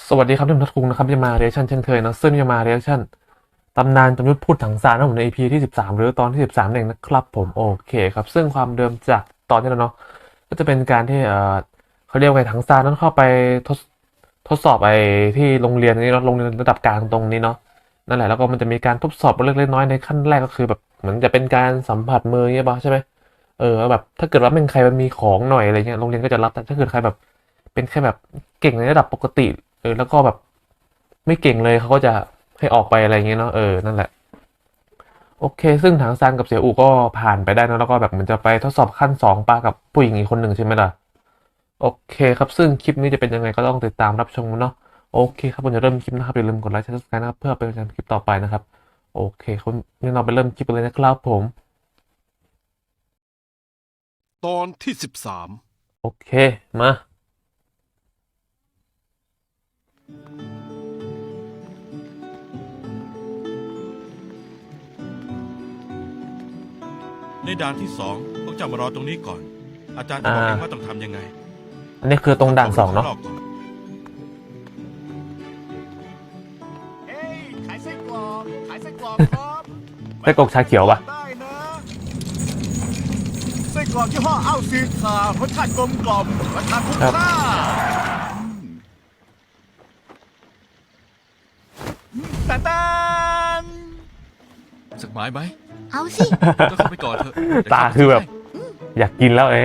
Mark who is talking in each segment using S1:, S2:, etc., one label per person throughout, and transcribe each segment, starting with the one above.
S1: สวัสดีครับท่านทัศคุงนะครับจะมาเรีแอคชั่นเช่นเคยนะซึ่งจะมาเรีแอคชั่นตำนานจอมยุทธพูดถังซานนะผมใน EP ที่13หรือตอนที่13เองนะครับผมโอเคครับซึ่งความเดิมจากตอนที่แล้วเนาะก็จะเป็นการที่เขาเรียกว่าไงถังซานนั้นเข้าไปทดทดสอบไอ้ที่โรงเรียนนี้เนาะโรงเรียนระดับกลางตรงนี้เนาะนั่นแหละแล้วก็มันจะมีการทดสอบเล็กๆน้อยๆในขั้นแรกก็คือแบบเหมือนจะเป็นการสัมผัสมือเงี้ยป่ะใช่ไหมแบบถ้าเกิดว่าเป็นใครมันมีของหน่อยอะไรเงี้ยโรงเรียนก็จะรับแต่ถ้าเกิดใครแบบเป็นแค่แบบเก่งในระดับปกติแล้วก็แบบไม่เก่งเลยเขาก็จะให้ออกไปอะไรเงี้ยเนาะนั่นแหละโอเคซึ่งถังซานกับเสี่ยอูก็ผ่านไปได้นะแล้วก็แบบเหมือนจะไปทดสอบขั้นสองปากับผู้หญิงอีกคนหนึ่งใช่ไหมล่ะโอเคครับซึ่งคลิปนี้จะเป็นยังไงก็ต้องติดตามรับชมเนาะโอเคครับผมจะเริ่มคลิปนะครับอย่าลืมกดไลค์กดซับสไครต์นะครับเพื่อเป็นกำลังใจคลิปต่อไปนะครับโอเคคุณนี่เราไปเริ่มคลิปกันเลยนะครับผม
S2: ตอนที่13
S1: โอเคมา
S2: ในด่านที่2พวกเจ้ามารอตรงนี้ก่อน อาจารย์จะบอกเองว่าต้องทำยังไง
S1: อันนี้คือตรงด่านสองเนาะ
S2: ข้รบก่อ
S3: เฮ้ยขายไส้กรอกขายไส้กรอกครับ
S1: ไส้กรอกชาเขียวปะ
S3: ได้นะไส้กรอกยี่ห้ออ้าวซีคารสชาติกลมกล่อมราคาคุ้มค่าแต่แต่
S2: สักไม้ไหม
S4: เอาสิ
S2: ก็เข้าไปก่อนเถอะเดี๋ยว
S1: ตา
S2: ข้ไป
S1: คือแบบ
S2: ให้
S1: อยากกินแล้ว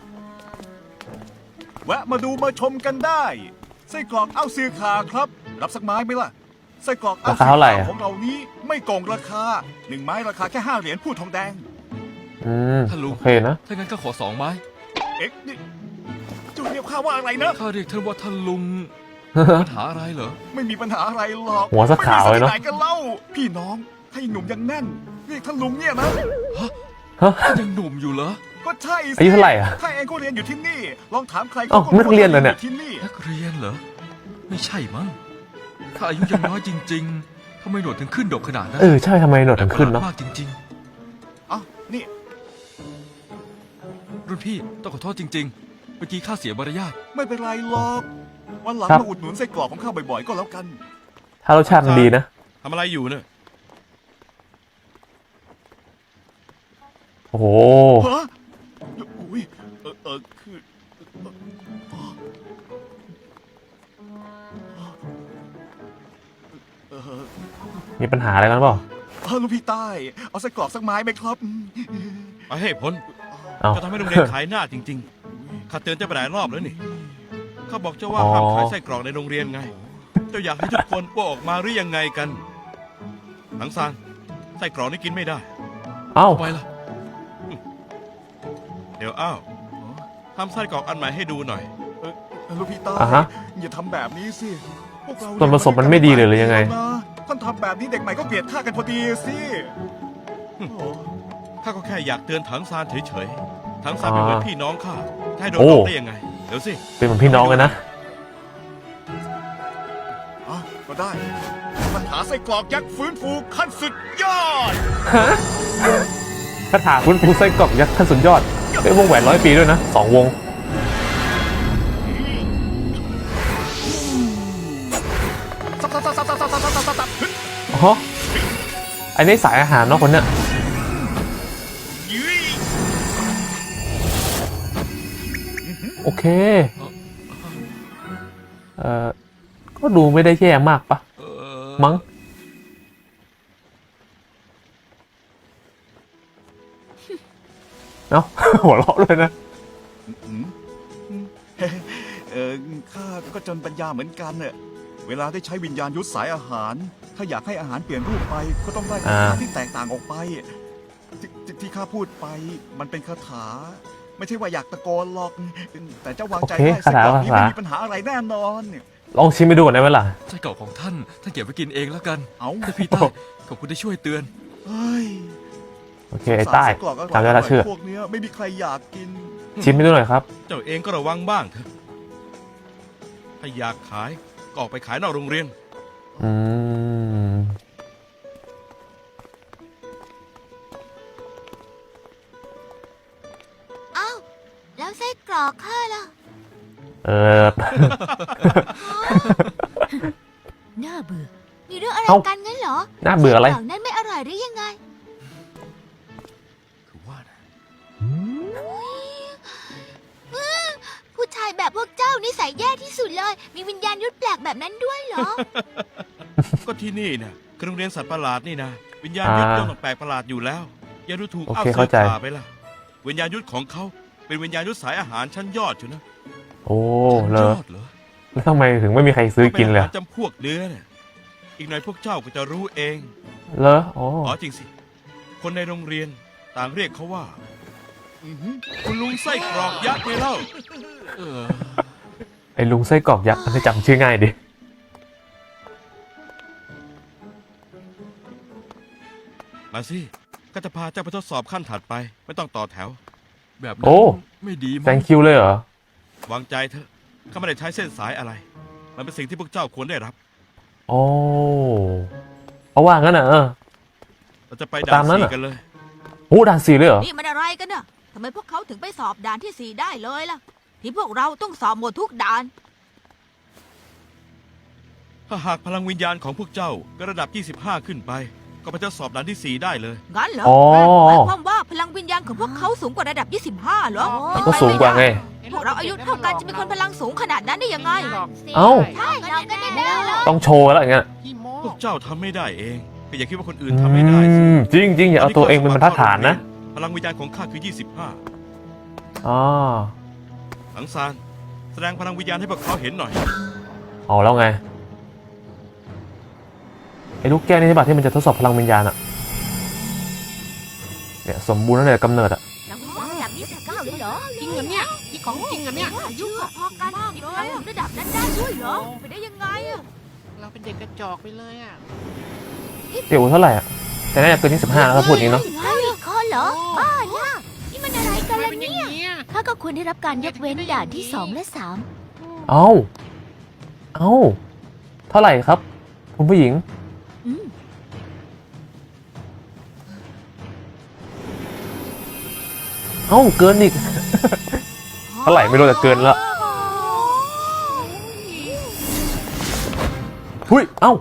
S3: แวะมาดูมาชมกันได้ไส้กรอกอ้าวซีคาครับ รับสักไม้ไหมล่ะไส้กรอกอ้าว
S1: รา
S3: ซี
S1: คาเท่าไหร่
S3: คา
S1: อะ
S3: ของเรานี้ไม่โกงราคา1 ไม้ราคาแค่5 เหรียญพูดทองแดง
S2: ท่านลุง
S1: โอเคนะ
S2: ถ้างั้นก็ขอ2 ไม้
S3: เอ็กซ์นี่เจ้าเรียกข้าว่าอะไรนะ
S2: ข้าเรียกท่านว่าท่านลุง ปัญหาอะไรเหรอ
S3: ไม่มีปัญหาอะไรหรอก
S1: หัวสักขาวเลยเนอะ
S3: ไม่มีสักที่ไหนกันเล่า พี่น้องถ้ายังหนุ่มยังแน่น เรียกท่านลุงเนี่ยนะ
S1: ฮะ
S2: ท่านยังหนุ่มอยู่เหรอ
S3: ก็ใช่สิ
S1: อายุเท่าไหร่อะ
S3: ข้าเองก็เรียนอยู่ที่นี่ ลองถามใคร
S1: อ้าวไม่ต้องเรียนเหรอเนี่ย
S3: ที่นี่
S2: นักเรียนเหรอ ไม่ใช่มั้งข้าอายุยังน้อยจริงๆทำไมหนวดถึงขึ้นดกขนาดนั้น
S1: ใช่ทำไมหนวดถึงขึ้นเนาะ
S2: แปลกประหลาดมากจริง
S3: อ้าวนี่
S2: ๆ รุ่นพี่ต้องขอโทษจริง ๆ เมื่อกี้ข้าเสียมารยาท
S3: ไม่เป็นไรหรอก วันหลัง
S1: ครับ
S3: มาอุดหนุนไส้กรอกของข้าบ่อยๆก็แล้วกัน
S1: ถ้ารสชาติมันดีนะ
S2: ทำอะไรอยู่เนี่ย
S1: โอ้โห
S3: ฮะอุ้ยคือเออ
S1: มีปัญหาอะไรกันเปล่า
S3: ลูกพี่ใต้ เอาไส้กรอกสักไม้ไหมครับ
S2: ไปให้พ้น
S1: เอ้า
S2: จะทำให้โรงเรียนขายหน้าจริงๆ ข้าเตือนเจ้าไปหลายรอบแล้วนี่ ข้าบอกเจ้าว่า
S1: อ๋อ
S2: ห้ามขายไส้กรอกในโรงเรียนไง เจ้าอยากให้ทุกคนว่าออกมาหรือยังไงกันหนังซานไส้กรอกนี่กินไม่ได้
S1: เอ้า
S2: ไปละเดี๋ยวอ้าวทำไส้กรอกอันใหม่ให้ดูหน่อย
S3: ลูกพี่ใต้
S1: อ่ะฮะ
S3: อย่าทำแบบนี้สิพวกเรา
S1: ส่วนผสมมันไม่ดีเลยหรือยังไง
S3: ท่านทำแบบนี้เด็กใหม่ก็เกลียดข้ากันพอดีสิโอ้โห
S2: ข้าก็แค่อยากเตือนถังซานเฉยๆ ถังซานเป็นเหมือนพี่น้องข้าจะให้โดน
S1: โอ้
S2: หลอกได้ยังไง เดี๋ยวสิ
S1: เป็นเหมือนพี่น้องกันนะ
S3: อ่ะก็ได้ปัญหาไส้กรอกยักษ์ฟื้นฟูขั้นสุดยอด
S1: คาถาฟื้นฟูไส้กรอกยักษ์ขั้นสุดยอดเป็นวงแหวน100 ปีด้วยนะ2 วง
S3: ซับซับซับซับซับซับซับซับซับซับ
S1: อ๋ออันนี้สายอาหารเนาะคนเนี้ย
S3: ยืย
S1: โอเคก็ดูไม่ได้แย่มากปะ
S2: เออ
S1: มั้งเนาะ หัวเราะเลยนะ
S3: เออข้าก็จนปัญญาเหมือนกันเนี่ยเวลาได้ใช้วิญญาณยุทธสายอาหาร ถ้าอยากให้อาหารเปลี่ยนรูปไป ก็ต้องได้คาถาที่แตกต่างออกไปที่ข้าพูดไป มันเป็นคาถา ไม่ใช่ว่าอยากตะโกนหรอก แต่เจ้าวางใจ
S1: โอเค
S3: ได้ไส้กรอกนี้
S1: คาถา
S3: ไม่มีปัญหาอะไรแน่นอน
S1: ลองชิมไปดูก่อนได้ไหมล่ะ
S2: ไส้กรอกของท่านเก็บไว้กินเองแล้วกัน
S3: เอา
S2: ท่านพี่ใต้ขอบคุณที่ช่วยเตือน
S3: เฮ้ย
S1: โอเคไอ้ใต้
S3: ไส้กรอกอร่อย
S1: จำได้ละชื่อ
S3: พวกเนี้ยไม่มีใครอยากกิน
S1: ชิมไปดูหน่อยครับ
S2: เจ้าเองก็ระวังบ้างเถอะ ถ้าอยากขายก็ออกไปขายนอกโรงเรียน
S1: อืม
S4: เอ้า แล้วไส้กรอกข้าล่ะ
S1: เออ
S4: น่าเบื่อมีเรื่องอะไร
S1: เอ้า
S4: กันงั้นเหรอ
S1: น่าเบื่ออะไร
S4: ไส้กรอกนั้นไม่อร่อยหรือยังไง
S2: คือว่านะ
S4: ผู้ชายแบบพวกเจ้านิสัยแย่ที่สุดเลย มีวิญญาณยุทธแปลกแบบนั้นด้วยเหรอ
S2: ก็ที่นี่นะคือโรงเรียนสัตว์ประหลาดนี่นะวิญญาณยุทธย่อมต้องแปลกประหลาดอยู่แล้วอย่าดูถูก
S1: โอ
S2: อ้าว
S1: เค
S2: เสื
S1: เข้า
S2: อ
S1: ใจ
S2: ป่าไปล่ะวิญญาณยุทธของเขาเป็นวิญญาณยุทธสายอาหารชั้นยอดอยู่นะ
S1: โอ้
S2: ชั้น
S1: เลย
S2: อดเหรอ
S1: แล้วทำไมถึงไม่มีใครซื้อกินเลย
S2: ขาป็อาหารจำพวกเนื้อเนี่ยอีกหน่อยพวกเจ้าก็จะรู้เอง
S1: เหรออ๋อ
S2: อ๋อจริงสิ คนในโรงเรียนต่างเรียกเขาว่าคุณลุงไส้กรอกยักษ์ไงเล่า
S1: ไอ้ลุงไส้กรอกยักษ์มันจะจำชื่อง่ายดิ
S2: มาสิก็จะพาเจ้าไปทดสอบขั้นถัดไป ไม่ต้องต่อแถว
S5: แบบนั้
S1: โอ้
S5: นไม่ดีมั้ง
S1: thank you เลยเหรอ
S2: วางใจเถอะข้าไม่ได้ใช้เส้นสายอะไร มันเป็นสิ่งที่พวกเจ้าควรได้รับ
S1: โอ้เพราะว่างั้นน่ะ
S2: เราจะไป
S1: ตา
S2: ด่าม น
S1: นั้น
S2: สี่
S1: อะ
S2: กันเลย
S1: โอ้ด่านสี่เลยเหรอ
S4: นี่มันอะไรกันน่ะทำไมพวกเขาถึงไปสอบด่านที่ 4 ได้เลยล่ะ ที่พวกเราต้องสอบหมดทุกด่าน
S2: ถ้าหากพลังวิญญาณของพวกเจ้าก็ระดับ 25 ขึ้นไป ก็ไปทดสอบด่านที่ 4 ได้เลย
S4: งั้นเหรอ
S1: อ๋อ
S4: หมายความว่าพลังวิญญาณของพวกเขาสูงกว่าระดับ 25เหรอเป็น
S1: ก็
S4: ไป
S1: สูงกว่าไง
S4: พวกเราอายุเท่ากันจะมีคนพลังสูงขนาดนั้นได้ยังไง
S1: เอ้า
S4: ใช่เราก็ได้แล้ว
S1: ต้องโชว์แล้วอย่างเงี้ย
S2: พวกเจ้าทำไม่ได้เองก็อย่าคิดว่าคนอื่น
S1: อื
S2: ทำไม่ได้สิ
S1: มจริงจริงอย่าเอาตัวเองเป็นบรรทัดฐานนะ
S2: พลังวิญญาณของข้าคือ
S1: อ๋อ
S2: 25สังสารแสดงพลังวิญญาณให้พวกเขาเห็นหน่อย
S1: เอาแล้วไง ไอ้ลูกแก้วนี่ใช่ป่ะที่มันจะทดสอบพลังวิญญาณอะเนี่ยสมบูรณ์ตั้งแต่กำเนิดอะ
S4: ระดับ29เลยเหรอ
S6: จริงเหรอเนี่ยนี่ของจริงเหรอเนี่ย
S4: อายุพอๆกันมีพลังถึงระดับนั้นได้ด้วยเหรอไปได้ยังไงอะ
S6: เราเป็นเด็กกระจอกไปเลยอ่ะ
S1: เดี๋ยวเท่าไหร่อะแต่น่าจะเกิน25แล้วถ้าพูดอย่างนี้เนาะ
S4: ข้อเหรอบ้าน่ะนี่มันอะไรกัน
S6: ทำไม
S4: ล่ะ
S6: เป็นอย่าง
S4: เนี่ย
S6: นี้อ่ะ
S4: ข้าก็ควรได้รับการยกเว้นด่านที่ 2 และ
S1: เอ้า เอ้า เท่าไหร่ครับ คุณผู้หญิง
S4: 3อืม
S1: เอ้า เกินอีก เท่าไหร่ไม่รู้แต่เกินแล้ว หุยเอ้า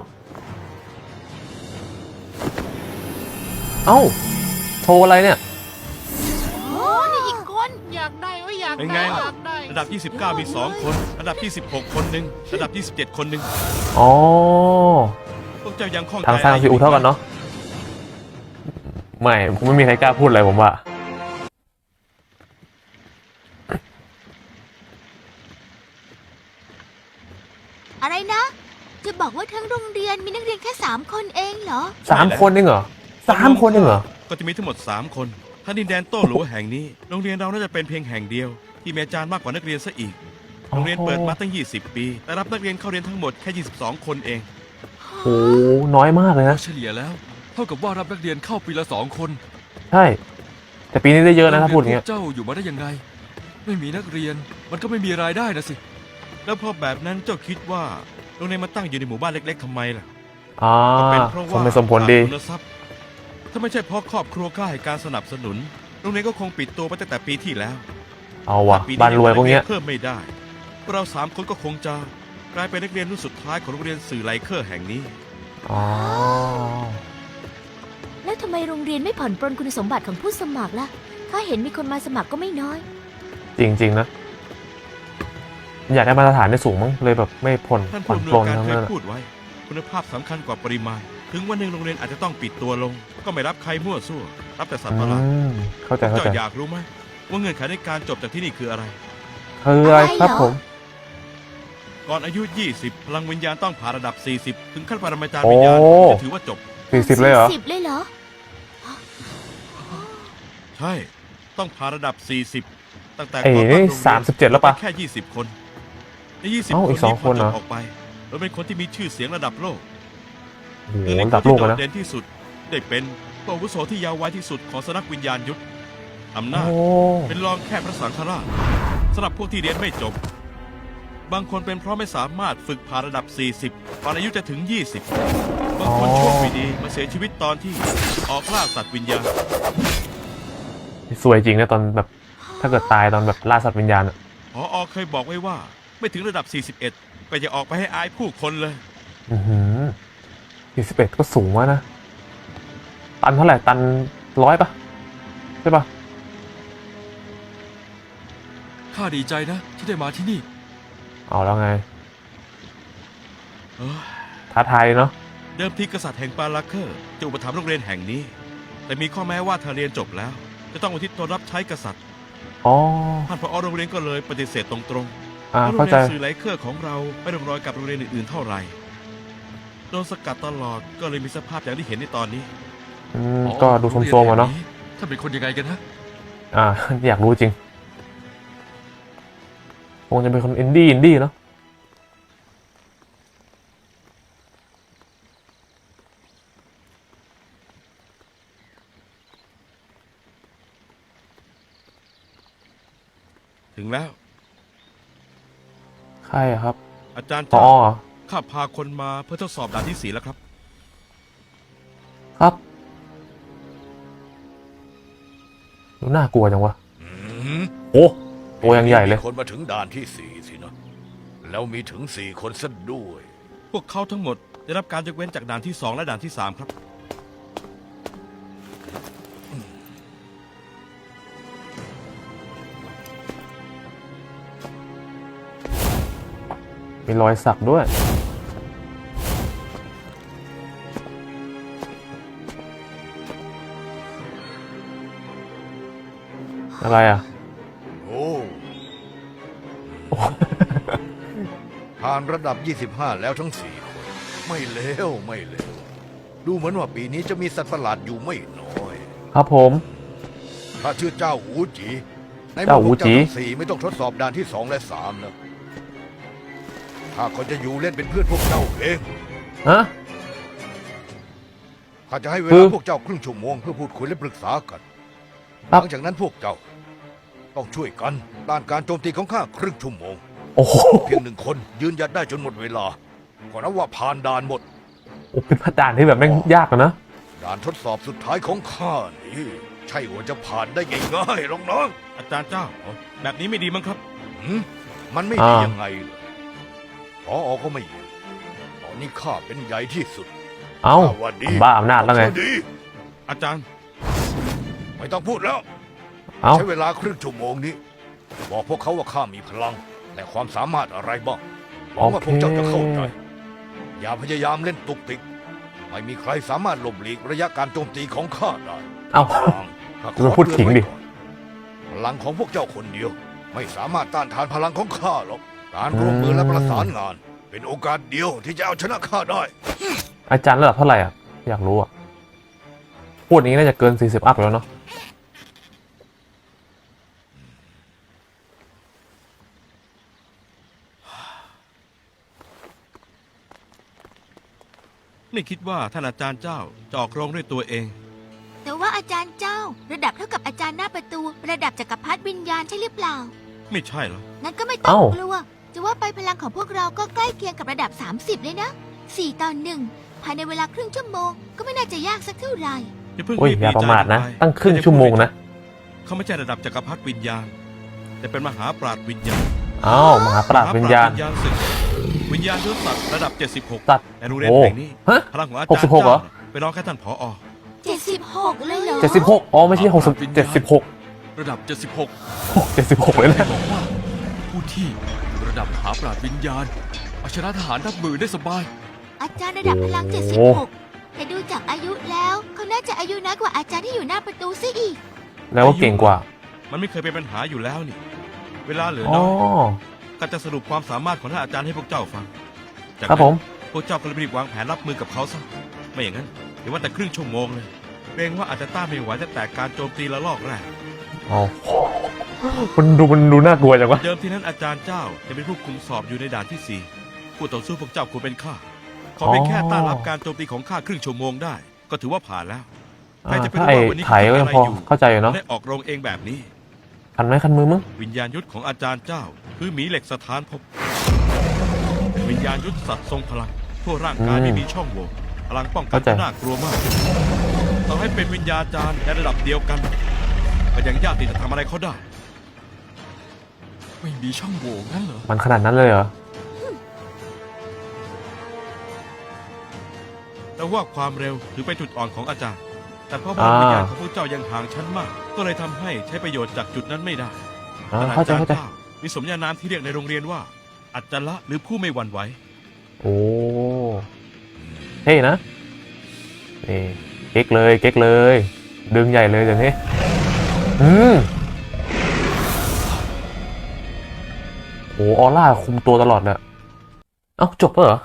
S1: เอ้า โชว์อะไรเนี่ย
S4: โอ้นี่อีกคน
S6: อยากได้อยาก
S2: เป็น
S6: ได้
S2: ไง
S6: อ
S2: ล่ะ
S6: ยากได้
S2: ระดับ 29 มี 2 คน ระดับ 26 คนหนึ่งระดับ 27 คนหนึ่ง
S1: อ๋อ
S2: พวกเจ้ายังคล่องใจ
S1: ทางซ้ายทางซีอูเท่ากันเนาะ ไม่ผมไม่มีใครกล้าพูดอะไรผมว่า
S4: อะไรนะ จะบอกว่าทั้งโรงเรียนมีนักเรียนแค่ 3 คนเองเหรอ
S1: 3 คนเองเหรอ3 คนเองเหรอ
S2: ก็จะมีทั้งหมด 3 คนถ้าดินแดนโต้หลัวแห่งนี้ โรงเรียนเราน่าจะเป็นเพียงแห่งเดียว ที่มีอาจารย์มากกว่านักเรียนซะอีก โรงเรียนเปิดมาตั้ง 20 ปี แต่รับนักเรียนเข้าเรียนทั้งหมดแค่ 22 คนเอง
S1: โห น้อยมากเลยนะ
S5: เฉลี่ยแล้ว เท่ากับว่ารับนักเรียนเข้าปีละ2 คน
S1: ใช่ แต่ปีนี้ได้เยอะนะถ้าพูดอย่าง
S5: โร
S1: เงี้
S5: เรีนพวกเจ้าอยู่มาได้ยังไง ไม่มีนักเรียนมันก็ไม่มีรายได้นะสิ
S2: แล้วพอแบบนั้นเจ้าคิดว่าโรงเรียนมาตั้งอยู่ในหมู่บ้านเล็กๆทำไมล่ะ
S1: อ่า
S2: ก็เป็นเพราะ
S1: สม
S2: ว่า
S1: เป็นสมผลดี
S2: ขาทุนทรัพย์ถ้าไม่ใช่เพราะครอบครัวกล้าให้การสนับสนุน โรงเรียนก็คงปิดตัวไปตั้งแต่ปีที่แล้ว
S1: เอาว่ะ
S2: ถ้ปี
S1: บ้านรวยพวกเนี้ย
S2: เพิ่มไม่ได้พวกเรา3 คนก็คงจะกลายเป็นนักเรียนรุ่นสุดท้ายของโรงเรียนสื่อไลเคอร์แห่งนี้
S1: อ๋อ
S4: แล้วทำไมโรงเรียนไม่ผ่อนปรนคุณสมบัติของผู้สมัครล่ะ ถ้าเห็นมีคนมาสมัครก็ไม่น้อย
S1: จริง ๆ นะ อยากได้มาตรฐานได้สูงมั้งเลยแบบไม่ผ่อน
S2: ท่าน
S1: ผ่อ
S2: ผู้
S1: น
S2: อำน
S1: ปล
S2: วย
S1: น
S2: การ
S1: ทั้ง
S2: เค
S1: นั้
S2: ย
S1: นอะ
S2: พูดไว้ คุณภาพสำคัญกว่าปริมาณ ถึงวันหนึ่งโรงเรียนอาจจะต้องปิดตัวลง ก็ไม่รับใครมั่วซั่วรับแต่สัตว์ประหลาด
S1: เข้าใจเข้า
S2: เจ้า
S1: ใจ
S2: อยากรู้ไหมว่าเงื่อนไขในการจบจากที่นี่คืออะไร
S1: คืออะไรครับผม
S2: ก่อนอายุ 20 พลังวิญญาณต้องผ่านระดับ 40 ถึงขั้นปรมาจารย์
S1: โอ้
S2: วิญญาณถึงจะถือว่าจบ
S1: 40เลยเหรอ
S4: 10เลยเหรอ
S2: ใช่ ต้องผ่านระดับ 40 ตั้งแต่
S1: เอ๋
S2: ก่อนตั้งโรงเรียน
S1: 37แล้วปะ
S2: แค่ 20 คนใน20
S1: เอ้า
S2: คน
S1: อีกสอง
S2: นี้พ
S1: คนเหรอ
S2: จบออกไปเราเป็นคนที่มีชื่อเสียงระดับโลก
S1: โอ้โห
S2: หนึ่งใน
S1: ระ
S2: ค
S1: ดั
S2: น
S1: บโล
S2: ที่
S1: ก
S2: โด
S1: อะ
S2: ด
S1: นะ
S2: เด่นที่สุด ได้เป็นผู้อาวุโสที่ยาววัยที่สุดของสำนักวิญญาณยุทธอำนาจ
S1: โอ้
S2: เป็นรองแค่พระสังฆราชสำหรับพวกที่เรียนไม่จบ บางคนเป็นเพราะไม่สามารถฝึกผ่านระดับ 40 ตอนอายุจะถึง 20 บางคนโชคไม่ดีมาเสียชีวิตตอนที่ออกล่าสัตว์วิญญาณ
S1: สวยจริงนะตอนแบบ ถ้าเกิดตายตอนแบบล่าสัตว์วิญญาณอะ
S2: พอเคยบอกไว้ว่าไม่ถึงระดับ 41 ก็อย่าออกไปให้อายผู้คนเลย
S1: 41ก็สูงวะนะ ตันเท่าไหร่ ตัน100ปะใช่ปะ
S5: ข้าดีใจนะ ที่ได้มาที่นี่
S1: เอาแล้วไง
S2: เออ
S1: ท้าทายเนาะ
S2: เดิมทีกษัตริย์แห่งปาลาเคอร์จะอุปถัมภ์โรงเรียนแห่งนี้ แต่มีข้อแม้ว่าถ้าเรียนจบแล้ว จะต้องอุทิศตนรับใช้กษัตริย์
S1: อ๋อ
S2: ท่านผอโรงเรียนก็เลยปฏิเสธตรงๆ
S1: อ่า
S2: เพราะโร
S1: เข้าง
S2: เรี
S1: ใจ
S2: ยนสื่อไหลเครือของเราไม่ร่วมรอยกับโรงเรียนอื่นๆเท่าไหร่โดนสกัดตลอดก็เลยมีสภาพอย่างที่เห็นในตอนนี้
S1: ก็ดูโทรมๆอะเนาะ
S5: ถ้าเป็นคนยังไงกันฮะ
S1: อยากรู้จริง คงจะเป็นคนอินดี้เนาะ
S2: ถึงแล้ว
S1: ใครอะครับ
S2: อาจารย์
S1: พอ
S2: เจ้า
S1: เหรอ
S2: ข้าพาคนมาเพื่อทดสอบด่านที่ 4แล้วครับ
S1: ครับ ดูน่ากลัวจังวะ โอ้ตัวยังใหญ่เลย
S7: มีคนมาถึงด่านที่ 4 สินะ แล้วมีถึง 4 คนซะด้วย
S2: พวกเขาทั้งหมดได้รับการยกเว้นจากด่านที่ 2 และด่านที่ 3 ครับ
S1: มีรอยสักด้วย อะไรอ่ะ
S7: โอ้ ผ่านระดับ 25 แล้วทั้ง 4 คน ไม่เลวไม่เลวดูเหมือนว่าปีนี้จะมีสัตว์ประหลาดอยู่ไม่น้อย
S1: ครับผม
S7: ถ้าชื่อเจ้าหูจี ใน
S1: เจ้าหูจี
S7: ทั้ง4ไม่ต้องทดสอบด่านที่ 2 และ 3 แล้วข้าก็จะอยู่เล่นเป็นเพื่อนพวกเจ้าเอง
S1: ฮะ
S7: ข้าจะให้เว
S1: คื
S7: ลา
S1: อ
S7: พวกเจ้าครึ่งชั่วโมงเพื่อพูดคุยและปรึกษากันห
S1: ครับ
S7: ลังจากนั้นพวกเจ้า ต้องช่วยกันต้านการโจมตีของข้าครึ่งชั่วโมง
S1: โอ้โห
S7: เพียง1 คนยืนหยัดได้จนหมดเวลาก็นับว่าผ่านด่านหมด
S1: เป็นด่านที่แบบแม่งยากอะนะ
S7: ด่านทดสอบสุดท้ายของข้านี่ใช่ว่าจะผ่านได้ง่ายๆหรอกน้อง
S2: อาจารย์เจ้า แบบนี้ไม่ดีมั้งครับ
S7: หืมมันไม่ดียังไงเหรอพอก็ไม่อยู่ตอนนี้ข้าเป็นใหญ่ที่สุด
S1: เอ้า
S7: ข้ว่าดี
S1: บ้าอำนาจแล้วไง
S7: ข้ดี
S2: อาจารย์
S7: ไม่ต้องพูดแล้ว
S1: เอ้า
S7: ใช้เวลาครึ่งชั่วโมงนี้ บอกพวกเขาว่าข้ามีพลัง แต่ความสามารถอะไรบ้างหวังว่าพวกเจ้าจะเข้าใจ อย่าพยายามเล่นตุกติก ไม่มีใครสามารถหลบหลีกระยะการโจมตีของข้าได้
S1: เอ้า
S7: ข้าข
S1: ดู
S7: อ
S1: พูดขิงดิ
S7: เตือนไว้ก่อนพลังของพวกเจ้าคนเดียว ไม่สามารถต้านทานพลังของข้าหรอก การร่วมมือและประสานงาน เป็นโอกาสเดียวที่จะเอาชนะข้าได้
S1: อาจารย์ระดับเท่าไหร่อ่ะ อยากรู้อ่ะ พูดอย่างนี้น่าจะเกิน 40 อัพแล้วเนาะ
S2: ไม่คิดว่าท่านอาจารย์เจ้าจะออกโรงด้วยตัวเอง
S4: แต่ว่าอาจารย์เจ้า ระดับเท่ากับอาจารย์หน้าประตู ระดับจักรพรรดิวิญญาณใช่หรือเปล่า
S2: ไม่ใช่เหรอ
S4: งั้นก็ไม่ต้อง
S1: เอ้า
S4: กลัว จะว่าไปพลังของพวกเราก็ใกล้เคียงกับระดับ 30 เลยนะ 4 ต่อ 1 ภายในเวลาครึ่งชั่วโมง ก็ไม่น่าจะยากสักเท่าไหร่
S2: อย่าเพิ่ง
S1: โอ้ย
S2: รีบ
S1: อย่า
S2: ดี
S1: ประ
S2: ใจ
S1: มาทนะ
S2: ไป
S1: ตั้งครึ่งชั่วโมงนะ
S2: เขาไม่ใช่ระดับจักรพรรดิวิญญาณ แต่เป็นมหาปราดวิญญาณ
S1: เอ้า มหาปราชญ์วิญญาณ
S2: มหปรชญ์วิญญาณศึกวิญญาณยุทธศักดิ์ระดับ 76
S1: สัตว์
S2: ในโรงเรียน
S1: โอ้
S2: แห่งนี้
S1: ฮะ
S2: พลังของอาจารย์
S1: 66เหรอ
S2: เจ้าไปรองแค่ท่านผอ
S4: 76 เลยเหรอ
S1: 76 อ๋อ ไม่ใช่60 76
S5: ระดับ
S1: 76 เลยนะ
S5: บอกว่า ผู้ที่อยู่ระดับมหาปราชญ์วิญญาณเอาชนะทหารนับหมื่นได้สบาย
S4: อาจารย์ระดับพลัง
S1: โอ้
S4: 76 แต่ดูจากอายุแล้วเขาน่าจะอายุน้อยกว่าอาจารย์ที่อยู่หน้าประตูซะอีก
S1: แล้วก็เก่งกว่า
S2: มันไม่เคยเป็นปัญหาอยู่แล้วนี่ เวลาเหลือ
S1: อ๋อ
S2: น้อย ก็จะสรุปความสามารถของท่านอาจารย์ให้พวกเจ้าฟัง จาก
S1: ครับ
S2: นั้
S1: ผ
S2: น
S1: ม
S2: พวกเจ้าก็เลยรีบวางแผนรับมือกับเขาซะ ไม่อย่างนั้นเดี๋ยวว่าแต่ครึ่งชั่วโมงเลยเกรงว่าอาจจะต้านไม่ไหวตั้งแต่การโจมตีละลอกแรก
S1: อ๋อ มันดูน่ากลัวจังวะ
S2: เดิมทีนั้นอาจารย์เจ้าจะเป็นผู้คุมสอบอยู่ในด่านที่ 4 ผู้ต่อสู้พวกเจ้าควรเป็นข้า ขอเพียงแค่ต้านรับการโจมตีของข้าครึ่งชั่วโมงได้ ก็ถือว่าผ่านแล้ว ใครจะไป
S1: ถ้า
S2: รู้
S1: ไอ้
S2: ว่าวันนี้
S1: ไถก็ยังพอเข้าใจอยู่เนาะ
S2: ได้ออกโรงเองแบบนี้
S1: คันไม้คันมือมั้ง
S2: วิญญาณยุทธของอาจารย์เจ้า คือหมีเหล็กสถานภพเป็นวิญญาณยุทธสัตว์ทรงพลัง ทั่วร่างกายไม่มีช่องโหว่พลังป้องกันที่น่ากลัวมากต่อให้เป็นวิญญาจารย์ในระดับเดียวกันก็ยังยากที่จะทำอะไรเขาได้
S5: ไม่มีช่องโหว่งั้นเหรอ
S1: มันขนาดนั้นเลยเหรอ
S2: แต่ว่าความเร็วถือเป็นจุดอ่อนของอาจารย์ แต่เพราะว่าวิญญาณของพวกเจ้ายังห่างชั้นมาก ก็เลยทำให้ใช้ประโยชน์จากจุดนั้นไม่ได้
S1: เข้าใจเข้าใจ
S2: มีสมญานามที่เรียกในโรงเรียนว่า อัจฉระหรือผู้ไม่หวั่นไหว
S1: โอ้เท่นะนี่เก๊กเลยเก๊กเลย ดึงใหญ่เลยเดี๋ยวนี้โอ้ออร่าคุมตัวตลอดเลยเอ้าจบแล้วเหรอ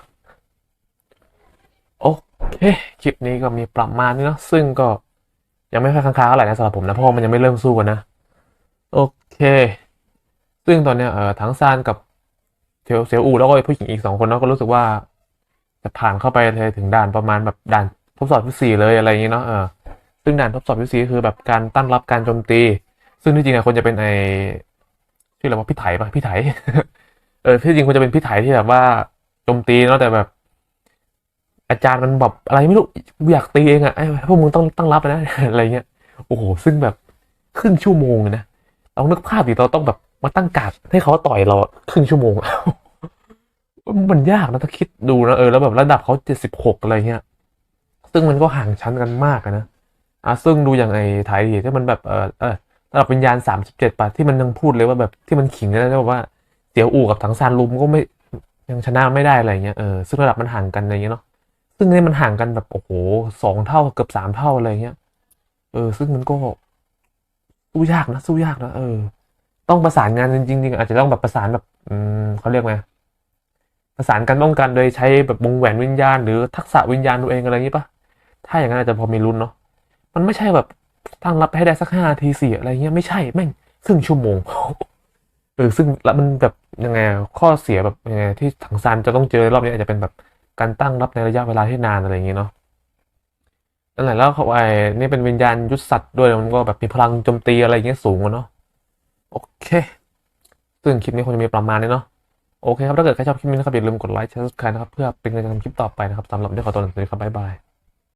S1: โอเคคลิปนี้ก็มีประมาณนี้เนาะซึ่งก็ยังไม่ค่อยค้างๆเท่าไหร่นะสำหรับผมนะเพราะว่ามันยังไม่เริ่มสู้กันนะโอเค ซึ่งตอนเนี้ยทั้งซานกับเซียวอูแล้วก็ผู้หญิงอีก2 คนเนาะก็รู้สึกว่าจะผ่านเข้าไปเลยถึงด่านประมาณแบบด่านทดสอบที่ 4เลยอะไรอย่างงี้เนาะซึ่งด่านทดสอบที่ 4คือแบบการตั้งรับการโจมตี ซึ่งที่จริงอะควรจะเป็นชื่ออะไรว่าพี่ไถปะพี่ไถ ที่จริงควรจะเป็นพี่ไถที่แบบว่าโจมตีเนาะแต่แบบ อาจารย์มันแบบอะไรไม่รู้อยากตีเองอะไอ้พวกมึงต้องตั้งรับนะ อะไรเงี้ยโอ้โหซึ่งแบบครึ่งชั่วโมงเลยนะเรานึกภาพดิเราต้องแบบมาตั้งการ์ดให้เขาต่อยเราครึ่งชั่วโมง มันยากนะถ้าคิดดูนะแล้วแบบระดับเขา76อะไรเงี้ยซึ่งมันก็ห่างชั้นกันมากนะซึ่งดูอย่างไอ้ไทยที่มันแบบระดับวิญญาณ37ป่ะที่มันยังพูดเลยว่าแบบที่มันขิงนะแบบว่าเสี่ยวอู่กับถังซานลุมก็ไม่ยังชนะไม่ได้อะไรเงี้ยซึ่งระดับมันห่างกันอะไรเงี้ยเนาะซึ่งนี่มันห่างกันแบบโอ้โห2 เท่าเกือบ3 เท่าอะไรเงี้ยซึ่งมันก็สู้ยากนะต้องประสานงานจริงๆอาจจะต้องแบบประสานแบบเขาเรียกไงประสานกันป้องกันโดยใช้แบบวงแหวนวิญญาณหรือทักษะวิญญาณตัวเองอะไรอย่างนี้ปะถ้าอย่างนั้นอาจจะพอมีลุ้นเนาะมันไม่ใช่แบบตั้งรับให้ได้สัก5 นาที4อะไรเงี้ยไม่ใช่แม่งครึ่งชั่วโมง ซึ่งแล้วมันแบบยังไงข้อเสียแบบยังไงที่ถังซานจะต้องเจอรอบนี้อาจจะเป็นแบบการตั้งรับในระยะเวลาที่นานอะไรอย่างงี้เนาะนั่นแหละแล้วเขานี่เป็นวิญญาณยุทธสัตว์ด้วยมันก็แบบมีพลังโจมตีอะไรอย่างเงี้ยสูงเนาะโอเคซึ่งคลิปนี้คงจะมีประมาณนี้เนาะโอเคครับถ้าเกิดใครชอบคลิปนี้นะครับอย่าลืมกดไลค์แชร์ subscribe นะครับเพื่อเป็นกำลังใจทำคลิปต่อไปนะครับสำหรับวันนี้ขอตัวลาไปก่อนครับบ๊ายบาย